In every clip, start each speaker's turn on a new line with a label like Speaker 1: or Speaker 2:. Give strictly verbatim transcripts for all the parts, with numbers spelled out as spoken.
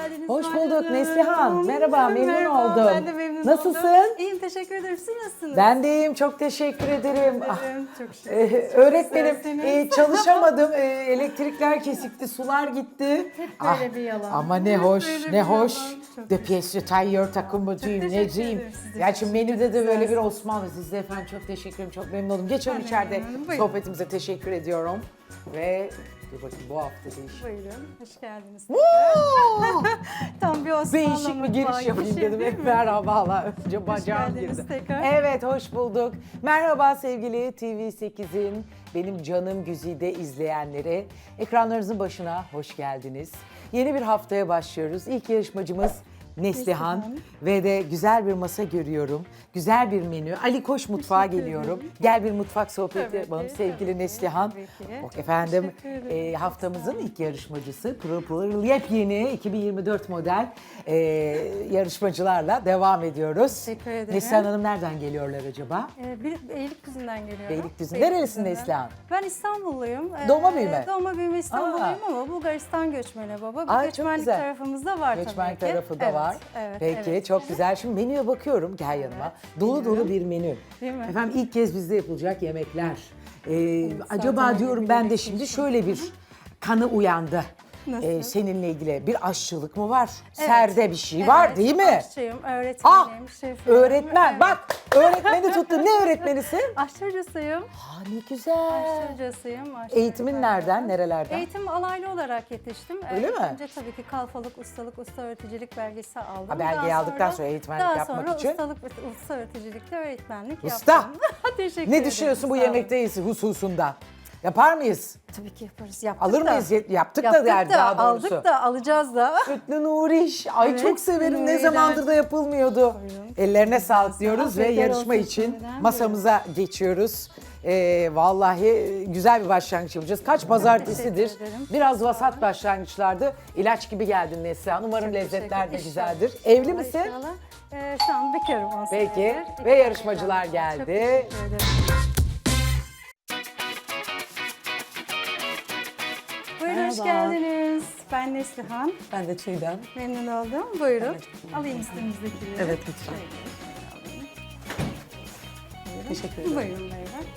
Speaker 1: geldiniz.
Speaker 2: Hoş
Speaker 1: Zuhal
Speaker 2: bulduk
Speaker 1: Hanım.
Speaker 2: Neslihan. Merhaba, memnun
Speaker 1: Merhaba,
Speaker 2: oldum.
Speaker 1: Ben de memnun
Speaker 2: Nasılsın?
Speaker 1: oldum. İyiyim, teşekkür ederim. Siz nasılsınız?
Speaker 2: Ben de iyiyim, çok teşekkür ederim. Ah,
Speaker 1: ederim, çok şükür.
Speaker 2: e,
Speaker 1: Çok
Speaker 2: öğretmenim,
Speaker 1: güzelsiniz.
Speaker 2: e, çalışamadım. E, elektrikler kesikti, sular gitti.
Speaker 1: Hep böyle bir yalan.
Speaker 2: Ama ne
Speaker 1: Hep
Speaker 2: hoş,
Speaker 1: böyle
Speaker 2: ne
Speaker 1: bir
Speaker 2: hoş.
Speaker 1: yalan. Çok
Speaker 2: De piyesi tayyör takımıcıyım,
Speaker 1: teşekkür
Speaker 2: neciyim.
Speaker 1: ederim size.
Speaker 2: Gerçi menüde de
Speaker 1: Çok
Speaker 2: böyle bir
Speaker 1: güzelsiniz.
Speaker 2: Osmanlı. Siz de efendim çok teşekkür ederim, çok memnun oldum. Geçelim
Speaker 1: Ben de
Speaker 2: içeride
Speaker 1: memnunum. Buyurun.
Speaker 2: sohbetimize teşekkür ediyorum. Ve dur bakayım bu hafta değişik.
Speaker 1: Buyurun, hoş geldiniz.
Speaker 2: Oo!
Speaker 1: Tam bir Osmanlı
Speaker 2: Değişik bir
Speaker 1: mutfağı
Speaker 2: giriş
Speaker 1: gibi
Speaker 2: yapayım
Speaker 1: şey
Speaker 2: dedim.
Speaker 1: değil
Speaker 2: Hep
Speaker 1: mi?
Speaker 2: merhabalar. Önce bacağım
Speaker 1: geldiniz
Speaker 2: girdi.
Speaker 1: tekrar.
Speaker 2: Evet, hoş bulduk. Merhaba sevgili T V sekizin benim canım güzide izleyenleri. Ekranlarınızın başına hoş geldiniz. Yeni bir haftaya başlıyoruz. İlk yarışmacımız Neslihan
Speaker 1: Neslihan.
Speaker 2: ve de güzel bir masa görüyorum. Güzel bir menü. Ali Koş mutfağa
Speaker 1: Teşekkür
Speaker 2: geliyorum.
Speaker 1: ederim.
Speaker 2: Gel bir mutfak sohbeti
Speaker 1: Tabii
Speaker 2: yapalım
Speaker 1: ki,
Speaker 2: sevgili
Speaker 1: tabii ki,
Speaker 2: Neslihan.
Speaker 1: tabii ki.
Speaker 2: Bak efendim
Speaker 1: Teşekkür ederim.
Speaker 2: e, haftamızın ilk yarışmacısı pırıl pırıl yepyeni iki bin yirmi dört model e, yarışmacılarla devam ediyoruz.
Speaker 1: Teşekkür ederim.
Speaker 2: Neslihan Hanım nereden geliyorlar acaba?
Speaker 1: Ee, bir Beylikdüzü'nden geliyorum.
Speaker 2: Beylikdüzü. Nerelisin
Speaker 1: Beylikdüzü'nden.
Speaker 2: Neslihan?
Speaker 1: Ben İstanbulluyum. Ee,
Speaker 2: Doğma büyüme?
Speaker 1: Doğma büyüme İstanbulluyum ama Bulgaristan göçmeni baba. Bu
Speaker 2: Ay, çok
Speaker 1: göçmenlik
Speaker 2: güzel.
Speaker 1: tarafımızda var
Speaker 2: Göçmenlik
Speaker 1: tabii ki.
Speaker 2: tarafı da
Speaker 1: Evet,
Speaker 2: var.
Speaker 1: Evet,
Speaker 2: Peki
Speaker 1: evet.
Speaker 2: çok güzel. Şimdi menüye bakıyorum. Gel yanıma. Dolu dolu
Speaker 1: Buyurun.
Speaker 2: bir menü.
Speaker 1: Değil mi?
Speaker 2: Efendim ilk kez bizde yapılacak yemekler. Ee, acaba
Speaker 1: zaten
Speaker 2: diyorum
Speaker 1: öyle
Speaker 2: ben
Speaker 1: bir
Speaker 2: de
Speaker 1: şey
Speaker 2: şimdi
Speaker 1: için.
Speaker 2: şöyle bir kanı uyandı.
Speaker 1: Nasıl?
Speaker 2: Ee, seninle ilgili bir aşçılık mı var?
Speaker 1: Evet.
Speaker 2: Serde bir şey var
Speaker 1: Evet,
Speaker 2: değil mi?
Speaker 1: Aşçıyım, öğretmenim,
Speaker 2: Ah,
Speaker 1: şefim.
Speaker 2: öğretmen.
Speaker 1: Evet.
Speaker 2: Bak öğretmeni tuttu. Ne öğretmenisin?
Speaker 1: Aşçı hocasıyım.
Speaker 2: Ha ne güzel.
Speaker 1: Aşçı hocasıyım. aşçı
Speaker 2: Eğitimin
Speaker 1: öğretmenim.
Speaker 2: nereden, nerelerden?
Speaker 1: Eğitim alaylı olarak yetiştim.
Speaker 2: Öyle
Speaker 1: Ee,
Speaker 2: mi?
Speaker 1: Önce tabii ki kalfalık, ustalık, usta öğreticilik belgesi aldım.
Speaker 2: Ha, belgeyi
Speaker 1: Daha
Speaker 2: aldıktan sonra eğitmenlik
Speaker 1: daha
Speaker 2: yapmak
Speaker 1: sonra
Speaker 2: için.
Speaker 1: ustalık, usta öğreticilikte öğretmenlik
Speaker 2: Usta.
Speaker 1: yaptım. Teşekkür
Speaker 2: Ne
Speaker 1: ederim.
Speaker 2: düşünüyorsun bu
Speaker 1: Sağ olun.
Speaker 2: yemekteyiz hususunda? Yapar mıyız?
Speaker 1: Tabii ki yaparız. Yaptık
Speaker 2: Alır
Speaker 1: da.
Speaker 2: mıyız? Ye- Yaptık,
Speaker 1: Yaptık
Speaker 2: da der
Speaker 1: da,
Speaker 2: daha doğrusu.
Speaker 1: aldık da, alacağız da.
Speaker 2: Sütlü Nuriş. Ay
Speaker 1: Evet,
Speaker 2: çok severim. Ne
Speaker 1: Nuri'den.
Speaker 2: zamandır da yapılmıyordu.
Speaker 1: Buyurun.
Speaker 2: Ellerine sağlık diyoruz
Speaker 1: Afiyet
Speaker 2: ve yarışma
Speaker 1: olsun
Speaker 2: için
Speaker 1: şimdiden.
Speaker 2: masamıza geçiyoruz. Ee, vallahi güzel bir başlangıç yapacağız. Kaç pazartesidir.
Speaker 1: Teşekkür ederim.
Speaker 2: Biraz vasat başlangıçlardı. İlaç gibi geldin Neslihan. Umarım
Speaker 1: Çok
Speaker 2: lezzetler de
Speaker 1: teşekkür-
Speaker 2: güzeldir.
Speaker 1: İnşallah.
Speaker 2: Evli misin?
Speaker 1: İnşallah. Ee, şu an bekarım on
Speaker 2: Peki.
Speaker 1: senedir. İki
Speaker 2: Ve
Speaker 1: tane
Speaker 2: yarışmacılar
Speaker 1: evladım var. Çok
Speaker 2: geldi.
Speaker 1: teşekkür ederim. Buyurun hoş
Speaker 2: Merhaba.
Speaker 1: geldiniz. Ben Neslihan.
Speaker 2: Ben de Çiğdem.
Speaker 1: Memnun oldum. Buyurun. Alayım üstünüzdekileri.
Speaker 2: Evet, lütfen.
Speaker 1: Şöyle, şöyle alayım. Buyurun.
Speaker 2: Teşekkür ederim.
Speaker 1: Buyurun beyler.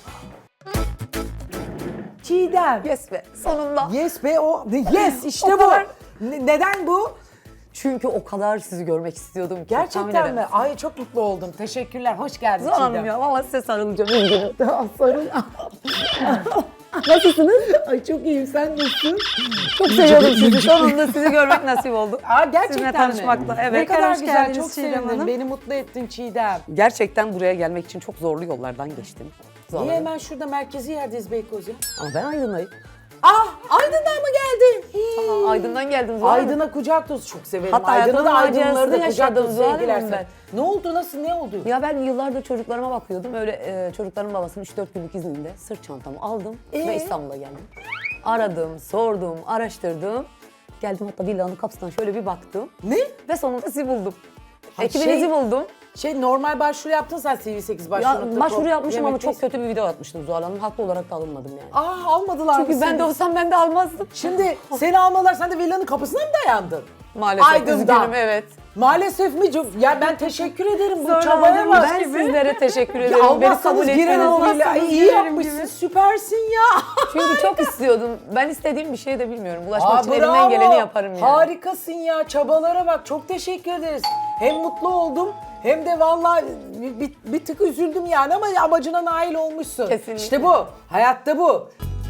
Speaker 2: Çiğdem.
Speaker 3: Yes be sonunda.
Speaker 2: Yes be o. Yes işte
Speaker 3: O
Speaker 2: bu.
Speaker 3: kadar.
Speaker 2: Ne- neden bu?
Speaker 3: Çünkü o kadar sizi görmek istiyordum ki. tahmin
Speaker 2: Gerçekten mi?
Speaker 3: edemezsiniz.
Speaker 2: Ay çok mutlu oldum. Teşekkürler. Hoş geldin
Speaker 3: Zuhal Hanım
Speaker 2: Çiğdem.
Speaker 3: ya valla size sarılacağım. iyi günler.
Speaker 2: Tamam, sarıl.
Speaker 3: Nasılsınız?
Speaker 2: Ay çok iyiyim. Sen nasılsın?
Speaker 3: Çok seviyordum sizi. Sonunda sizi görmek nasip oldu.
Speaker 2: Aa, gerçekten
Speaker 3: Sizinle
Speaker 2: mi?
Speaker 3: tanışmakla. Evet.
Speaker 2: Ne kadar
Speaker 1: Hoş
Speaker 2: güzel.
Speaker 1: geldiniz
Speaker 2: Çok
Speaker 1: Çiğdem
Speaker 2: sevindim.
Speaker 1: Hanım.
Speaker 2: Beni mutlu ettin Çiğdem.
Speaker 3: Gerçekten buraya gelmek için çok zorlu yollardan geçtim. Zuhal
Speaker 2: Niye
Speaker 3: Hanım.
Speaker 2: hemen şurada merkezi yerdeyiz Beykoz ya?
Speaker 3: Ama ben Aydın'dayım.
Speaker 2: Ah Aydın'dan mı geldin? Hii.
Speaker 3: Aa, Aydın'dan geldim Zuhal Hanım.
Speaker 2: Aydın'a kucak dolusu çok severim.
Speaker 3: Hatta
Speaker 2: Aydın'ı da
Speaker 3: hayatımın
Speaker 2: Aydınları da
Speaker 3: macerasını
Speaker 2: kucak
Speaker 3: yaşadım
Speaker 2: dolusu
Speaker 3: Zuhal
Speaker 2: sevgiler
Speaker 3: Hanım
Speaker 2: sana. Ne oldu? Nasıl? Ne oldu?
Speaker 3: Ya ben yıllardır çocuklarıma bakıyordum. Öyle e, çocukların babasının üç dört günlük izninde sırt çantamı aldım
Speaker 2: Ee?
Speaker 3: ve İstanbul'a geldim. Aradım, sordum, araştırdım. Geldim hatta villanın kapısından şöyle bir baktım.
Speaker 2: Ne?
Speaker 3: Ve sonunda sizi buldum.
Speaker 2: Ha,
Speaker 3: Ekibinizi
Speaker 2: şey-
Speaker 3: buldum.
Speaker 2: Şey normal başvuru yaptın sen C V sekiz
Speaker 3: Ya
Speaker 2: başvuru.
Speaker 3: başvuru yapmışım ama çok kötü bir video atmıştım Zuhal Hanım. Haklı olarak da alınmadım yani.
Speaker 2: Ah almadılar mı
Speaker 3: Çünkü ben
Speaker 2: seni?
Speaker 3: de olsam ben de almazdım.
Speaker 2: Şimdi seni almadılar, sen de villanın kapısına mı dayandın?
Speaker 3: Maalesef
Speaker 2: Aydın'dan.
Speaker 3: üzgünüm evet.
Speaker 2: Maalesef mi? Çok- Ya ben teşekkür ederim bu
Speaker 1: Sonra
Speaker 2: çabaya bak.
Speaker 3: Ben sizlere teşekkür
Speaker 2: Ya
Speaker 3: ederim. Beni kabul
Speaker 2: almazsanız giren
Speaker 3: ettiniz.
Speaker 2: o villa. Ay, iyi yapmışsın, süpersin ya.
Speaker 3: Çünkü çok istiyordum. Ben istediğim bir şey de bilmiyorum. Ulaşmak
Speaker 2: Aa,
Speaker 3: için
Speaker 2: bravo.
Speaker 3: elimden geleni yaparım yani.
Speaker 2: Harikasın ya, çabalara bak. Çok teşekkür ederiz. Hem mutlu oldum hem de vallahi bir, bir, bir tık üzüldüm yani ama amacına nail olmuşsun.
Speaker 3: Kesinlikle.
Speaker 2: İşte bu, hayatta bu.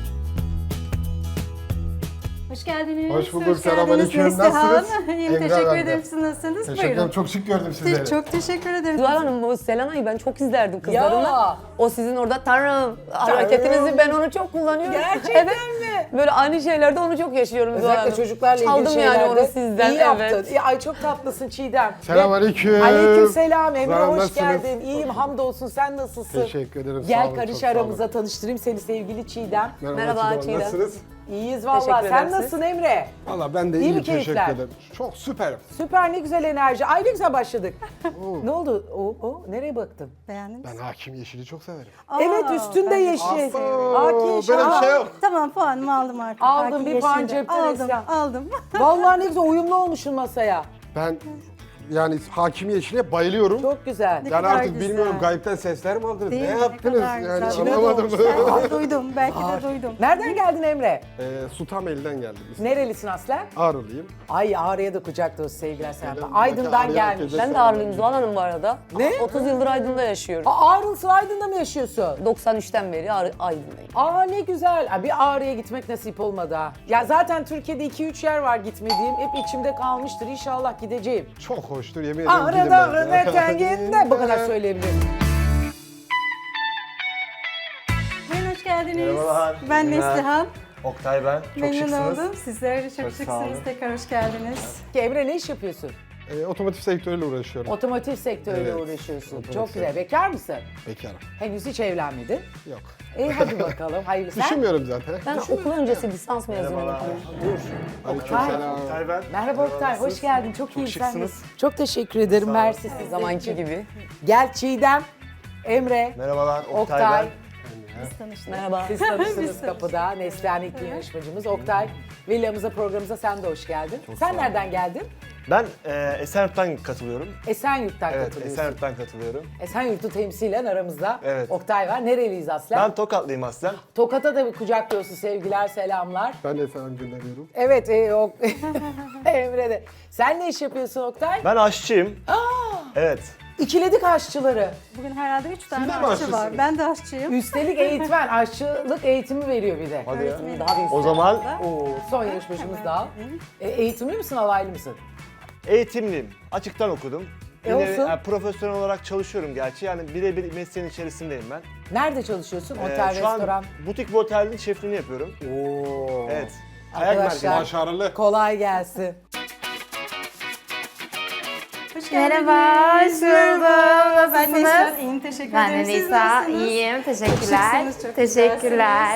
Speaker 1: Hoş geldiniz.
Speaker 4: Hoş bulduk,
Speaker 1: geldiniz
Speaker 4: selamünaleyküm.
Speaker 1: Neslihan.
Speaker 4: Nasılsınız?
Speaker 1: İyiyim,
Speaker 4: Emre
Speaker 1: teşekkür
Speaker 4: ben de.
Speaker 1: ederim. Siz nasılsınız?
Speaker 4: Teşekkür ederim.
Speaker 1: Buyurun.
Speaker 4: Çok şık gördüm sizleri.
Speaker 1: Çok teşekkür ederim.
Speaker 3: Zuhal Hanım bu Selena'yı ben çok izlerdim kızlarımla.
Speaker 2: Ya.
Speaker 3: O sizin orada tanrım hareketinizi ben onu çok kullanıyorum.
Speaker 2: Gerçekten
Speaker 3: evet.
Speaker 2: mi?
Speaker 3: Böyle aynı şeylerde onu çok yaşıyorum Zuhal
Speaker 2: Özellikle
Speaker 3: Hanım.
Speaker 2: çocuklarla ilgili
Speaker 3: Çaldım
Speaker 2: şeylerde.
Speaker 3: yani onu sizden.
Speaker 2: İyi yaptın.
Speaker 3: evet.
Speaker 2: İyi, ay çok tatlısın Çiğdem.
Speaker 4: Selamünaleyküm.
Speaker 2: Aleyküm selam Emre,
Speaker 4: Zuhal,
Speaker 2: hoş
Speaker 4: nasılsınız?
Speaker 2: geldin. İyiyim hamdolsun, sen nasılsın?
Speaker 4: Teşekkür ederim. sağ
Speaker 2: Gel
Speaker 4: olun,
Speaker 2: karış
Speaker 4: çok sağ olun.
Speaker 2: aramıza, tanıştırayım seni sevgili Çiğdem.
Speaker 3: Merhaba
Speaker 4: Çiğdem,
Speaker 3: Çiğdem.
Speaker 4: Nasılsınız?
Speaker 2: İyiyiz vallahi.
Speaker 3: Teşekkür
Speaker 2: Sen
Speaker 3: ederim siz.
Speaker 2: nasılsın Emre?
Speaker 4: Valla ben de
Speaker 2: İyi
Speaker 4: iyi,
Speaker 2: mi
Speaker 4: teşekkür
Speaker 2: keyifler?
Speaker 4: ederim. Çok süperim.
Speaker 2: Süper, ne güzel enerji. Ay ne güzel başladık. Ne oldu? O, o nereye baktın?
Speaker 1: Beğendin mi?
Speaker 4: Ben hakim yeşili çok severim.
Speaker 2: Evet,
Speaker 1: Aa,
Speaker 2: üstünde
Speaker 1: ben de
Speaker 2: yeşil.
Speaker 4: Abo,
Speaker 2: Haki
Speaker 4: böyle
Speaker 2: yeşil.
Speaker 4: bir şey yok.
Speaker 1: Tamam, puanımı aldım artık.
Speaker 2: Aldın,
Speaker 1: Haki
Speaker 2: bir puan
Speaker 1: yeşilde.
Speaker 2: cepten
Speaker 1: Aldım,
Speaker 2: Esra.
Speaker 1: aldım.
Speaker 2: Vallahi ne güzel uyumlu olmuşsun masaya.
Speaker 4: Ben yani hakim yeşile bayılıyorum.
Speaker 2: Çok güzel.
Speaker 1: Ne
Speaker 4: Yani
Speaker 1: kadar
Speaker 4: artık
Speaker 1: güzel.
Speaker 4: bilmiyorum gayipten sesler mi aldınız?
Speaker 1: Değil
Speaker 4: ne
Speaker 1: mi?
Speaker 4: yaptınız?
Speaker 1: kadar
Speaker 4: Yani
Speaker 1: güzel.
Speaker 4: anlamadım.
Speaker 1: Belki de duydum, belki de duydum.
Speaker 2: Nereden geldin Emre?
Speaker 4: ee, Sultanbeyli'den geldim.
Speaker 2: Nerelisin aslen?
Speaker 4: Ağrılıyım.
Speaker 2: Ay Ağrı'ya da kucak dolusu sevgiler selamlar.
Speaker 4: Neden?
Speaker 2: Aydın'dan
Speaker 4: Belki Ağrı'ya
Speaker 2: gelmiş.
Speaker 4: herkese-
Speaker 3: Ben de Ağrılıyım Zuhal Hanım bu arada.
Speaker 2: Ne?
Speaker 3: otuz yıldır Aydın'da yaşıyorum.
Speaker 2: Aa, Ağrılısın, Aydın'da mı yaşıyorsun?
Speaker 3: doksan üçten beri Ağrı- Aydın'dayım.
Speaker 2: Aa ne güzel. Aa, bir Ağrı'ya gitmek nasip olmadı ha. Ya zaten Türkiye'de iki üç yer var gitmediğim. Hep içimde kalmıştır. İnşallah gideceğim.
Speaker 4: Çok hoştur yemin ederim.
Speaker 2: Ağrı
Speaker 4: gidin
Speaker 2: dağrı
Speaker 4: bence.
Speaker 2: eteğinde. Bu kadar söyleyebilirim.
Speaker 1: Buyurun, hoş geldiniz.
Speaker 5: Merhabalar.
Speaker 1: Ben
Speaker 5: İyi günler.
Speaker 1: Neslihan.
Speaker 5: Oktay ben. Çok
Speaker 1: Memnun
Speaker 5: şıksınız.
Speaker 1: oldum. Sizler de çok,
Speaker 5: Çok sağ
Speaker 1: şıksınız.
Speaker 5: olun.
Speaker 1: Tekrar hoş geldiniz.
Speaker 2: Ki Emre ne iş yapıyorsun?
Speaker 4: Ee, otomotiv sektörüyle uğraşıyorum.
Speaker 2: Otomotiv sektörüyle
Speaker 4: Evet.
Speaker 2: uğraşıyorsun.
Speaker 4: Otomotiv
Speaker 2: Çok güzel.
Speaker 4: sektörü.
Speaker 2: Bekar mısın?
Speaker 4: Bekarım.
Speaker 2: Henüz hiç evlenmedin.
Speaker 4: Yok.
Speaker 2: İyi hadi bakalım. Hayırlısı. Sen?
Speaker 4: Düşünmüyorum zaten.
Speaker 3: Ben okul öncesi lisans mezunuyum.
Speaker 5: Merhabalar.
Speaker 4: Aleykümselam.
Speaker 5: Oktay ben.
Speaker 2: Merhaba Oktay, hoş geldin. Çok, iyi
Speaker 5: şıksınız.
Speaker 2: Çok teşekkür ederim. Mersi siz
Speaker 3: Zamanki gibi.
Speaker 2: Gel Çiğdem, Emre,
Speaker 5: Merhabalar. Oktay,
Speaker 2: Oktay.
Speaker 5: ben.
Speaker 1: Biz tanıştık.
Speaker 3: Merhaba.
Speaker 2: Siz tanıştınız kapıda. Neslihan ilk yarışmacımız. Oktay, villamıza, programımıza sen de hoş geldin. sen nereden geldin?
Speaker 5: Ben e, Esenyurt'tan katılıyorum.
Speaker 2: Esenyurt'tan
Speaker 5: Evet,
Speaker 2: katılıyorsun.
Speaker 5: Esenyurt'tan katılıyorum.
Speaker 2: Esenyurt'u temsilen aramızda
Speaker 5: Evet.
Speaker 2: Oktay var. Nereliyiz aslen?
Speaker 5: Ben Tokatlıyım aslen.
Speaker 2: Tokat'a da bir kucak dolusu sevgiler, selamlar.
Speaker 4: Ben de selam gönderiyorum.
Speaker 2: Evet, e, ok Emre de. Sen ne iş yapıyorsun Oktay?
Speaker 5: Ben aşçıyım. Evet.
Speaker 2: İkiledik aşçıları.
Speaker 1: Bugün herhalde üç tane
Speaker 4: de mi
Speaker 1: aşçı var.
Speaker 4: aşçısınız?
Speaker 1: Ben de aşçıyım.
Speaker 2: Üstelik eğitmen, aşçılık eğitimi veriyor bir de.
Speaker 5: Hadi ya.
Speaker 3: Daha bir
Speaker 5: O zaman
Speaker 2: Oo, son yarışmacımız daha. E, eğitimli misin, alaylı mısın?
Speaker 5: eğitimliyim. Açıktan okudum.
Speaker 2: E,
Speaker 5: Yine
Speaker 2: olsun.
Speaker 5: e, profesyonel olarak çalışıyorum gerçi. Yani birebir mesleğin içerisindeyim ben.
Speaker 2: Nerede çalışıyorsun?
Speaker 5: E,
Speaker 2: Otel,
Speaker 5: şu
Speaker 2: restoran.
Speaker 5: an butik bir otelin şefliğini yapıyorum.
Speaker 2: Oo.
Speaker 5: Evet. Kayak
Speaker 2: Arkadaşlar-
Speaker 5: merkezi.
Speaker 4: Başarılı.
Speaker 2: Kolay gelsin.
Speaker 1: Hoş geldiniz.
Speaker 6: Merhaba, hoş buldum.
Speaker 1: Ben Nisa.
Speaker 6: Nasılsınız?
Speaker 1: İyiyim, teşekkür
Speaker 6: Ben
Speaker 1: ederim.
Speaker 6: de
Speaker 1: Siz
Speaker 6: Nisa,
Speaker 1: nasılsınız?
Speaker 6: iyiyim. Teşekkürler.
Speaker 1: şıksınız, çok
Speaker 6: Teşekkürler.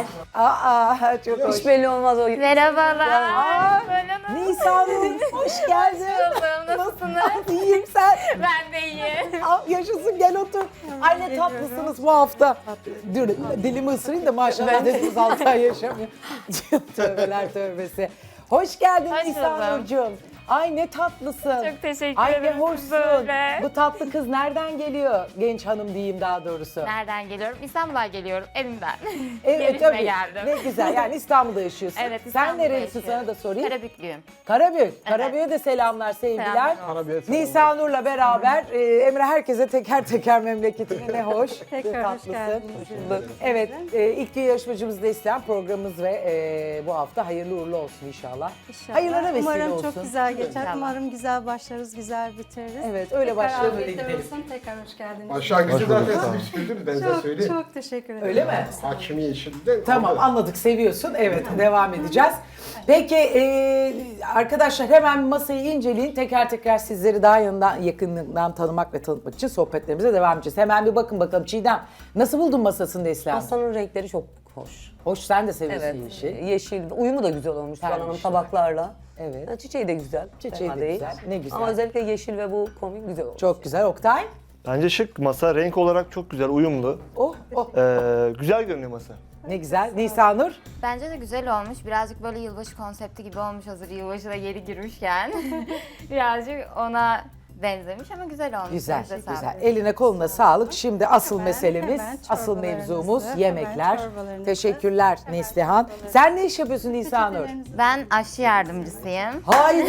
Speaker 2: Aa, çok hoş.
Speaker 3: hiç belli olmaz o.
Speaker 6: Merhabalar.
Speaker 2: Aa,
Speaker 6: Buyurun.
Speaker 2: Nisan Hanım, hoş geldin.
Speaker 6: Buldum, nasılsınız?
Speaker 2: İyiyim sen.
Speaker 6: Ben de iyiyim.
Speaker 2: Aa, yaşasın, gel otur. Ay ne tatlısınız bu hafta. Dur, dilimi ısırayım da maşallah dediniz altı ay yaşamıyor. Tövbeler tövbesi. Hoş geldin
Speaker 6: Hoş
Speaker 2: Nisan
Speaker 6: buldum.
Speaker 2: Nurcuğum. Ay ne tatlısın.
Speaker 6: Çok teşekkür
Speaker 2: Ay ne
Speaker 6: ederim.
Speaker 2: hoşsun.
Speaker 6: Böyle.
Speaker 2: Bu tatlı kız nereden geliyor? Genç hanım diyeyim daha doğrusu.
Speaker 6: Nereden geliyorum? İstanbul'a geliyorum, evimden.
Speaker 2: Evet
Speaker 6: Gelişime
Speaker 2: tabii.
Speaker 6: geldim.
Speaker 2: Ne güzel. Yani İstanbul'da yaşıyorsun.
Speaker 6: Evet,
Speaker 2: Sen
Speaker 6: İstanbul'da
Speaker 2: nerelisin,
Speaker 6: yaşıyorum.
Speaker 2: sana da sorayım.
Speaker 6: Karabüklüyüm.
Speaker 2: Karabük. Karabük'e de selamlar, sevgiler.
Speaker 6: Selamlar olsun.
Speaker 4: Arabiye selam.
Speaker 2: Nisan Nur'la beraber e, Emre herkese teker teker memleketine ne hoş.
Speaker 1: Tekrar hoş
Speaker 2: tatlısın.
Speaker 1: geldiniz.
Speaker 2: Evet, e, ilk gün yarışmacımız da isteyen programımız ve e, bu hafta hayırlı uğurlu olsun inşallah.
Speaker 1: İnşallah.
Speaker 2: Hayırlara vesile
Speaker 1: Umarım
Speaker 2: olsun.
Speaker 1: çok güzel geçer.
Speaker 6: İnşallah.
Speaker 1: Umarım güzel başlarız, güzel bitiririz.
Speaker 2: Evet, öyle
Speaker 1: Tekrar
Speaker 2: başlayalım, öyle
Speaker 1: afiyetler
Speaker 2: gidelim.
Speaker 1: olsun. Tekrar hoş geldiniz.
Speaker 4: Başlangıcı
Speaker 5: Hoş bulduk,
Speaker 4: zaten
Speaker 5: sağ olun.
Speaker 4: siz bitirdiniz ben size
Speaker 1: Çok
Speaker 4: söyleyeyim.
Speaker 1: çok teşekkür ederim.
Speaker 2: Öyle mi?
Speaker 4: Hakimi yeşilden.
Speaker 2: Tamam, anladık, seviyorsun. Evet, devam edeceğiz. Peki e, arkadaşlar hemen masayı inceleyin. Teker teker sizleri daha yanından, yakından tanımak ve tanıtmak için sohbetlerimize devam edeceğiz. Hemen bir bakın bakalım Çiğdem. Nasıl buldun masasını Neslihan?
Speaker 3: Pastanın renkleri çok hoş.
Speaker 2: Hoş, sen de seviyorsun
Speaker 3: Evet.
Speaker 2: yeşil.
Speaker 3: Yeşil. Uyumu da güzel olmuş Zuhal Hanım
Speaker 2: Pembiş.
Speaker 3: tabaklarla.
Speaker 2: Evet.
Speaker 3: Ha, çiçeği de güzel.
Speaker 2: Çiçeği
Speaker 3: fena
Speaker 2: de
Speaker 3: değil.
Speaker 2: güzel, ne güzel.
Speaker 3: Ama özellikle yeşil ve bu komik güzel olmuş.
Speaker 2: Çok güzel. Oktay.
Speaker 5: Bence şık masa. Renk olarak çok güzel, uyumlu.
Speaker 2: Oh, oh.
Speaker 5: Ee, güzel görünüyor masa.
Speaker 2: Ne güzel. Nisan Nur.
Speaker 6: Bence de güzel olmuş. Birazcık böyle yılbaşı konsepti gibi olmuş hazır yılbaşı da yeri girmişken. Birazcık ona benzemiş ama güzel olmuş.
Speaker 2: Güzel,
Speaker 6: Elinize
Speaker 2: güzel.
Speaker 6: sağlık.
Speaker 2: Eline koluna sağlık. Şimdi asıl
Speaker 1: Hemen,
Speaker 2: meselemiz,
Speaker 1: hemen
Speaker 2: asıl
Speaker 1: çorbalarınızı,
Speaker 2: mevzumuz
Speaker 1: hemen
Speaker 2: yemekler.
Speaker 1: çorbalarınızı.
Speaker 2: Teşekkürler Neslihan. Sen ne iş yapıyorsun Nisan Nur?
Speaker 6: Ben aşçı yardımcısıyım.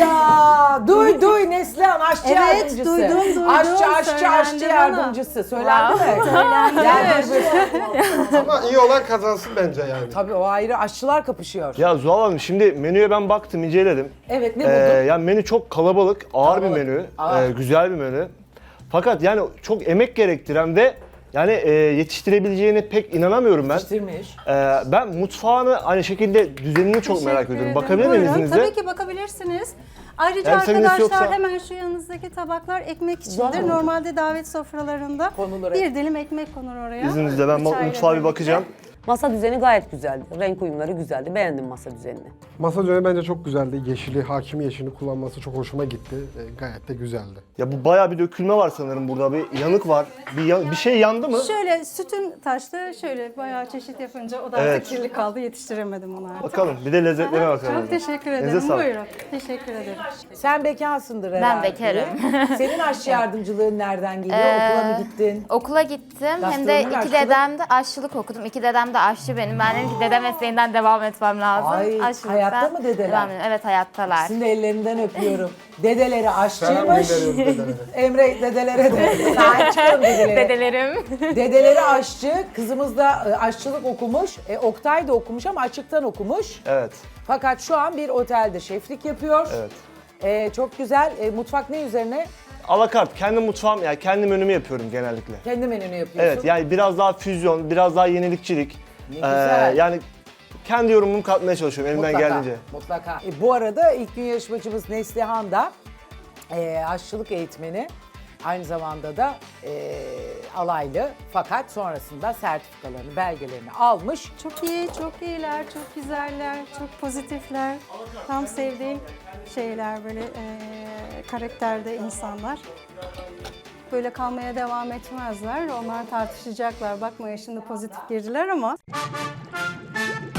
Speaker 2: Hayda! Duy duy Neslihan aşçı
Speaker 1: Evet,
Speaker 2: yardımcısı.
Speaker 1: duydum, duydum.
Speaker 2: Aşçı aşçı
Speaker 1: Söylendi
Speaker 2: aşçı
Speaker 1: bana.
Speaker 2: yardımcısı. Söylendi mi? Söylendi.
Speaker 4: Ama iyi olan kazansın bence yani.
Speaker 2: Tabii o ayrı, aşçılar kapışıyor.
Speaker 5: Ya Zuhal Hanım şimdi menüye ben baktım, inceledim.
Speaker 2: Evet, ne
Speaker 5: Ee,
Speaker 2: buldun?
Speaker 5: yani menü çok kalabalık, ağır
Speaker 2: Kalabalık,
Speaker 5: bir menü,
Speaker 2: ağır.
Speaker 5: ee, güzel bir menü. Fakat yani çok emek gerektiren ve yani e, yetiştirebileceğine pek inanamıyorum ben.
Speaker 2: Yetiştirmiş.
Speaker 5: Ee, ben mutfağını aynı şekilde düzenini çok merak
Speaker 1: Teşekkür
Speaker 5: ediyorum.
Speaker 1: ederim.
Speaker 5: Bakabilir miyim
Speaker 1: Buyurun,
Speaker 5: izninizle?
Speaker 1: Tabii ki bakabilirsiniz. Ayrıca
Speaker 5: Yani sakıncası
Speaker 1: arkadaşlar
Speaker 5: yoksa-
Speaker 1: hemen şu yanınızdaki tabaklar ekmek içindir.
Speaker 3: Zaten-
Speaker 1: Normalde davet sofralarında
Speaker 2: Konulur,
Speaker 1: bir
Speaker 2: evet.
Speaker 1: dilim ekmek konur oraya.
Speaker 5: İzninizle ben
Speaker 1: Bıçağıyla
Speaker 5: mutfağa bir
Speaker 1: birlikte.
Speaker 5: bakacağım.
Speaker 3: Masa düzeni gayet güzeldi. Renk uyumları güzeldi. Beğendim masa düzenini.
Speaker 4: Masa düzeni bence çok güzeldi. Yeşili, hakim yeşilini kullanması çok hoşuma gitti. E, gayet de güzeldi.
Speaker 5: Ya bu bayağı bir dökülme var sanırım burada. Bir yanık var. Bir, ya- bir şey yandı mı?
Speaker 1: Şöyle sütüm taştı, şöyle bayağı çeşit yapınca o da
Speaker 5: Evet.
Speaker 1: artık kirli kaldı, yetiştiremedim onu artık.
Speaker 5: Bakalım bir de lezzetlerine bakalım.
Speaker 1: Çok teşekkür
Speaker 5: Elinize
Speaker 1: ederim.
Speaker 5: sağlık.
Speaker 1: Buyurun. Teşekkür ederim.
Speaker 2: Sen bekarsındır herhalde.
Speaker 6: bekarım.
Speaker 2: Senin aşçı yardımcılığın nereden geliyor?
Speaker 6: Ee,
Speaker 2: Okula mı gittin?
Speaker 6: Okula gittim. Hem de
Speaker 2: Gastronomi,
Speaker 6: iki
Speaker 2: aşçılık.
Speaker 6: dedem de aşçılık okudum. İki dedem de aşçı benim. Ben dedim ki dede mesleğinden devam etmem lazım.
Speaker 2: Ay,
Speaker 6: Aşçılıktan
Speaker 2: hayatta mı dedeler?
Speaker 6: devam edeyim. Evet, hayattalar.
Speaker 2: Sizin de ellerinden öpüyorum. Dedeleri
Speaker 4: Selam
Speaker 2: aşçıymış.
Speaker 4: gönderiyoruz dedelere.
Speaker 2: Emre dedelere de sahip çıkalım dedelere.
Speaker 6: Dedelerim.
Speaker 2: Dedeleri aşçı, kızımız da e, aşçılık okumuş. E, Oktay da okumuş ama açıktan okumuş.
Speaker 5: Evet.
Speaker 2: Fakat şu an bir otelde şeflik yapıyor.
Speaker 5: Evet.
Speaker 2: E, çok güzel. E, mutfak ne üzerine?
Speaker 5: Alakart. Kendi mutfağım, yani kendi menümü yapıyorum genellikle.
Speaker 2: Kendi menünü yapıyorsun.
Speaker 5: Evet, yani biraz daha füzyon, biraz daha yenilikçilik.
Speaker 2: Ne güzel.
Speaker 5: yani kendi yorumumu katmaya çalışıyorum elimden
Speaker 2: Mutlaka,
Speaker 5: geldiğince.
Speaker 2: mutlaka. E, bu arada ilk gün yarışmacımız Neslihan da e, aşçılık eğitmeni. Aynı zamanda da e, alaylı, fakat sonrasında sertifikalarını, belgelerini almış.
Speaker 1: Çok iyi, çok iyiler, çok güzeller, çok pozitifler. Tam sevdiğim şeyler, böyle eee karakterde insanlar. Böyle kalmaya devam etmezler. Onlar tartışacaklar. Bakma şimdi pozitif girdiler ama